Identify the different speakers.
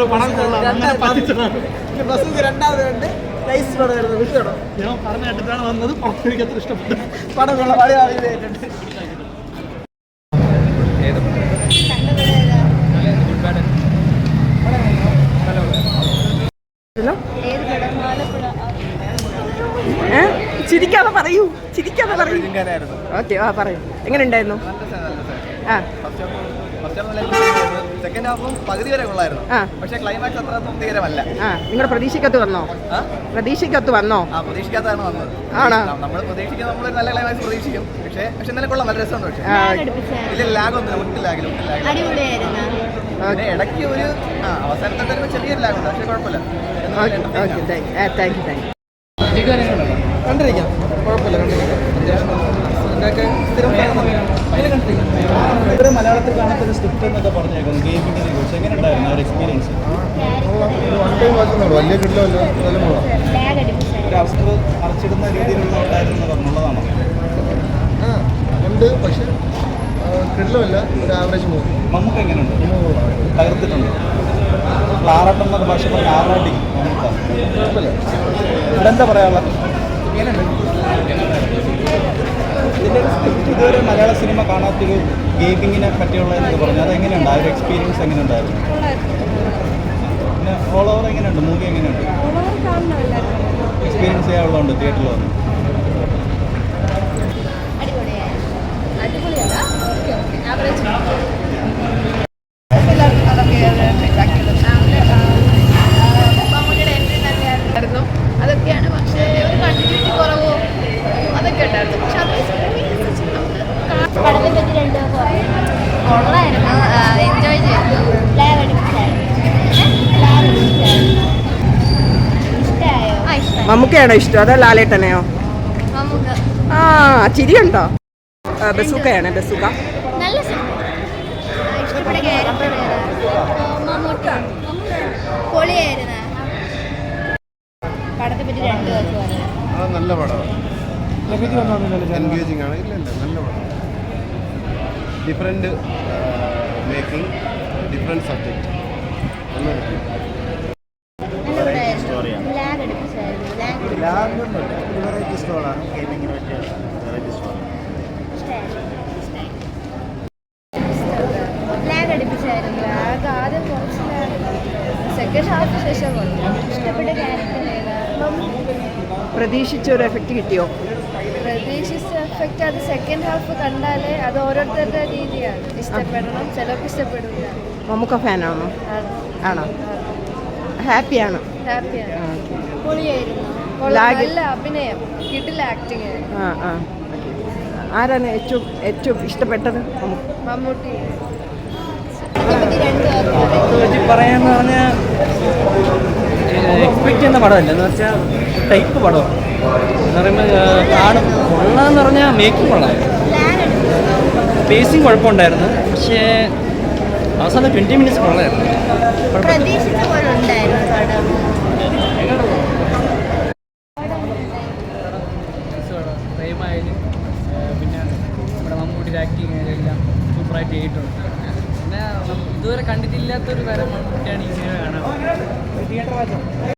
Speaker 1: രണ്ടാമത് കണ്ട് നൈസ് പടമായിരുന്നു. വിഷയമാണ് ഞാൻ പറഞ്ഞ കേട്ടിട്ടാണ് വന്നത്. എനിക്ക് അത്ര ഇഷ്ടപ്പെട്ടു. പടം കൊള്ള പഴയ ആളുകളുണ്ട്. ചിരിക്കാതെ പറയൂ, ചിരിക്കാതെ പറയൂ. ഓക്കെ, ആ പറയൂ. എങ്ങനെ ഉണ്ടായിരുന്നു? ആ
Speaker 2: സെക്കൻഡ് ഹാഫും പകുതി വരെ കൊള്ളായിരുന്നു. പക്ഷേ ക്ലൈമാക്സ് അത്ര തൃപ്തികരമല്ല.
Speaker 1: നിങ്ങളുടെ പ്രതീക്ഷയ്ക്കകത്ത് വന്നോ? പ്രതീക്ഷയ്ക്കകത്ത് വന്നോ?
Speaker 2: പ്രതീക്ഷിക്കാത്തതാണ് വന്നത്. ആണോ? നമ്മൾ പ്രതീക്ഷിക്കുക, നമ്മൾ നല്ല ക്ലൈമാക്സ് പ്രതീക്ഷിക്കും. പക്ഷേ ഇന്നലെ കൊള്ളാം, നല്ല രസമുണ്ട്. പക്ഷേ ഇല്ല, ലാഗൊന്നും ഒട്ടും ലാഗില്ല. ഇടയ്ക്ക് ഒരു അവസാനത്തെ ചെറിയൊരു ലാഗുണ്ട്, പക്ഷേ കുഴപ്പമില്ല. കണ്ടിരിക്കാം, കുഴപ്പമില്ല. ഇവിടെ മലയാളത്തിൽ കാണാത്തൊരു സ്ക്രിപ്റ്റ് എന്നൊക്കെ പറഞ്ഞേക്കുന്നു ഗെയിമിങ്ങിനെ കുറിച്ച്. എങ്ങനെ ഉണ്ടായിരുന്നു ആ ഒരു എക്സ്പീരിയൻസ്? വലിയ കിട്ടില്ല, ഒരു അവസരം അടച്ചിടുന്ന രീതിയിലുള്ള ഉണ്ടായിരുന്നു പറഞ്ഞുള്ളതാണോ? ഉണ്ട്, പക്ഷെ കിട്ടില്ല, ഒരു ആവറേജ് മൂവി. നമുക്ക് എങ്ങനെയുണ്ട്? തകർത്തിട്ടുണ്ട്. ആറാട്ടം എന്നൊക്കെ ഭാഷ പറഞ്ഞ ആറാട്ടി നമുക്ക് കുഴപ്പമില്ല. ഇവിടെ എന്താ പറയാനുള്ളത്? ഇതിൻ്റെ ഒരു സ്ക്രിപ്റ്റ് ഇതുവരെ മലയാള സിനിമ കാണാത്തൊരു ഗെയിമിങ്ങിനെ പറ്റിയുള്ള എന്നൊക്കെ പറഞ്ഞു. അതെങ്ങനെയുണ്ട്? ആ ഒരു എക്സ്പീരിയൻസ് എങ്ങനെയുണ്ടായിരുന്നു? പിന്നെ ഓൾ ഓവർ എങ്ങനെയുണ്ട്? മൂവി എങ്ങനെയുണ്ട്? എക്സ്പീരിയൻസ് ചെയ്യാനുള്ളതുണ്ട് തിയേറ്ററിൽ വന്ന്.
Speaker 3: അതൊക്കെയാണ്. പക്ഷേ ഒരു കണ്ടിന്യൂറ്റി കുറവോ അതൊക്കെ ഉണ്ടായിരുന്നു. പക്ഷെ പടത്തെ പറ്റി കൊള്ളായിരുന്നു, എൻജോയ് ചെയ്തു.
Speaker 1: മമ്മൂക്കയാണോ ഇഷ്ടം അതോ ലാലേട്ടനെയോ? ആ, ചിരിയുണ്ടോ? ബസൂക്കയാണ്. ബസൂക്ക
Speaker 3: നല്ല ഇഷ്ടപ്പെട്ട ക്യാരക്ടർ പൊളിയായിരുന്നു. പടത്തെ പറ്റി രണ്ട് ദിവസം
Speaker 2: നല്ല പടമാണ്. എൻഗേജിങ് ആണ്. ഇല്ല, നല്ല പടം. Different making, different subject. Variety സ്റ്റോളാണ്. ഗെയിമിങ്ങിന് പറ്റിയ വെറൈറ്റി സ്റ്റോളാണ്.
Speaker 3: ലാഗടിപ്പിച്ചായിരുന്നു. ആദ്യം കുറച്ച് സെക്കൻഡ് ഹാഫ് ശേഷം ഇഷ്ടപ്പെട്ട ക്യാരക്ടർ ഏതാ?
Speaker 1: പ്രതീക്ഷിച്ച ഒരു എഫക്റ്റ് കിട്ടിയോ?
Speaker 3: പ്രതീക്ഷിച്ച എഫക്റ്റ് അത് സെക്കൻഡ് ഹാഫ് കണ്ടാലേ അത് ഓരോരുത്തരുടെ രീതിയാണ്. ഇഷ്ടപ്പെടണം, ചിലർക്ക് ഇഷ്ടപ്പെടില്ല.
Speaker 1: മമ്മൂക്ക ഫാനാണോ? ആണോ? ഹാപ്പിയാണ്.
Speaker 3: ഹാപ്പിയാണ്. പൊളിയായിരുന്നു. നല്ല അഭിനയം, കിടില ആക്ടിങ് ആയിരുന്നു.
Speaker 1: ആരാണ് ഏറ്റവും ഇഷ്ടപ്പെട്ടത്?
Speaker 3: മമ്മൂട്ടി.
Speaker 4: പറയാന്ന് പറഞ്ഞാൽ എക്സ്പെക്ട് ചെയ്യുന്ന പടമല്ല, എന്ന് വെച്ചാൽ ടൈപ്പ് പടമാണ്. എന്ന് പറയുമ്പോൾ കാണും കൊള്ളാന്ന് പറഞ്ഞാൽ മേക്കിംഗ് കൊള്ളായിരുന്നു, പേസിങ് കുഴപ്പമുണ്ടായിരുന്നു. പക്ഷേ അവസാനം 20 മിനിറ്റ്സ് കൊള്ളായിരുന്നു. പ്രേമായാലും പിന്നെ നമ്മുടെ മമ്മൂട്ടിയുടെ ആക്ടിങ് എല്ലാം സൂപ്പറായിട്ട് ചെയ്തിട്ടുണ്ട്. പിന്നെ ഇതുവരെ കണ്ടിട്ടില്ലാത്തൊരു തരം മമ്മൂട്ടിയാണ് ഈ സിനിമ കാണാൻ.